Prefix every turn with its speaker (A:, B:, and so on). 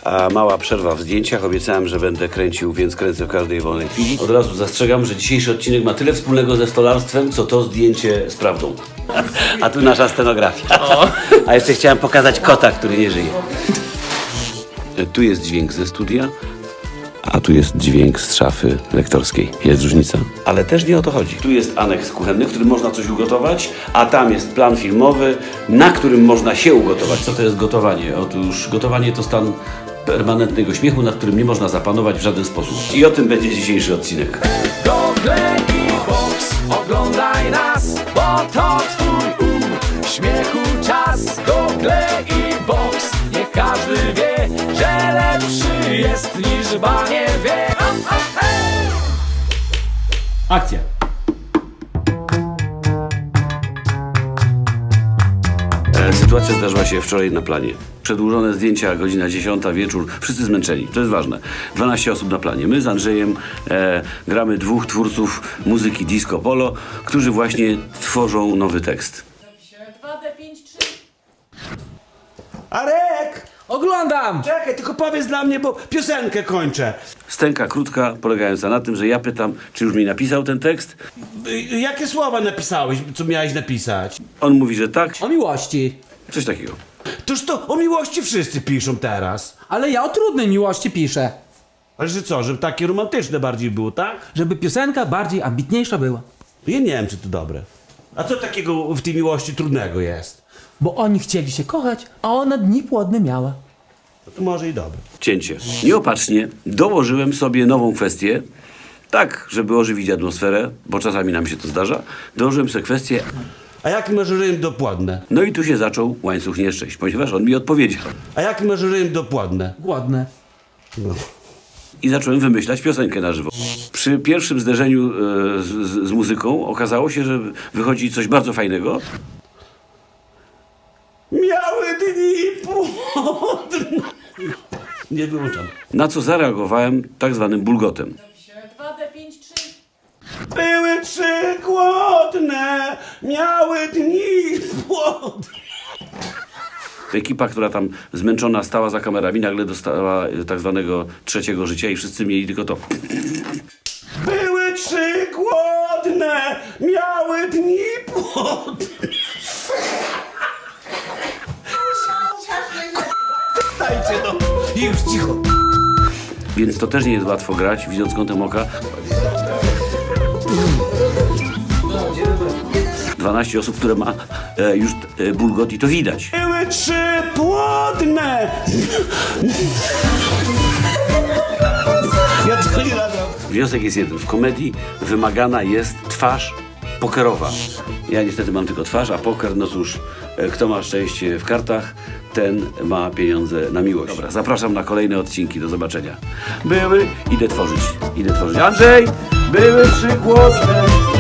A: A mała przerwa w zdjęciach. Obiecałem, że będę kręcił, więc kręcę w każdej wolnej chwili. Od razu zastrzegam, że dzisiejszy odcinek ma tyle wspólnego ze stolarstwem, co to zdjęcie z prawdą. A tu nasza scenografia. A jeszcze chciałem pokazać kota, który nie żyje. Tu jest dźwięk ze studia, a tu jest dźwięk z szafy lektorskiej. Jest różnica. Ale też nie o to chodzi. Tu jest aneks kuchenny, w którym można coś ugotować, a tam jest plan filmowy, na którym można się ugotować. Co to jest gotowanie? Otóż gotowanie to stan permanentnego śmiechu, nad którym nie można zapanować w żaden sposób. I o tym będzie dzisiejszy odcinek.
B: Google i Box, oglądaj nas, bo to twój śmiechu czas. Google i Box, niech każdy wie, że lepszy jest niż banie wie.
C: Akcja!
A: Sytuacja zdarzyła się wczoraj na planie. Przedłużone zdjęcia, godzina 10, wieczór, wszyscy zmęczeni, to jest ważne. 12 osób na planie. My z Andrzejem gramy dwóch twórców muzyki disco polo, którzy właśnie tworzą nowy tekst.
D: 2D5-3.
E: Arek!
C: Oglądam!
E: Czekaj, tylko powiedz dla mnie, bo piosenkę kończę.
A: Stęka krótka, polegająca na tym, że ja pytam, czy już mi napisał ten tekst.
E: Jakie słowa napisałeś, co miałeś napisać?
A: On mówi, że tak,
C: O miłości.
A: coś takiego.
E: Toż to o miłości wszyscy piszą teraz.
C: Ale ja o trudnej miłości piszę.
E: Ale że co, żeby takie romantyczne bardziej było, tak?
C: Żeby piosenka bardziej ambitniejsza była.
E: Ja nie wiem, czy to dobre. A co takiego w tej miłości trudnego jest?
C: Bo oni chcieli się kochać, a ona dni płodne miała.
E: No to może i dobre.
A: Cięcie. Nieopatrznie dołożyłem sobie nową kwestię, tak, żeby ożywić atmosferę, bo czasami nam się to zdarza. Dołożyłem sobie kwestię,
E: A jaki masz rym dopłodne?
A: no i tu się zaczął łańcuch nieszczęść, ponieważ on mi odpowiedział.
E: A jaki masz rym dopłodne?
C: Głodne.
E: No.
A: I zacząłem wymyślać piosenkę na żywo. Przy pierwszym zderzeniu z muzyką okazało się, że wychodzi coś bardzo fajnego.
E: Miały dni płodne. Nie wyłączam.
A: Na co zareagowałem tak zwanym bulgotem.
D: 2D5-3.
E: Były trzy głodne, miały dni płodne.
A: Ekipa, która tam zmęczona stała za kamerami, nagle dostała tak zwanego trzeciego życia i wszyscy mieli tylko to.
E: Były trzy głodne, miały dni płodne. Dajcie no, już cicho.
A: Więc to też nie jest łatwo grać, widząc kątem oka. 12 osób, które ma już bulgot i to widać.
E: Były trzy płodne. Ja to nie nagram.
A: Wniosek jest jeden. W komedii wymagana jest twarz pokerowa. Ja niestety mam tylko twarz, a poker, no cóż, kto ma szczęście w kartach, ten ma pieniądze na miłość. Dobra, zapraszam na kolejne odcinki. Do zobaczenia. Idę tworzyć. Andrzej! Były trzy głodne.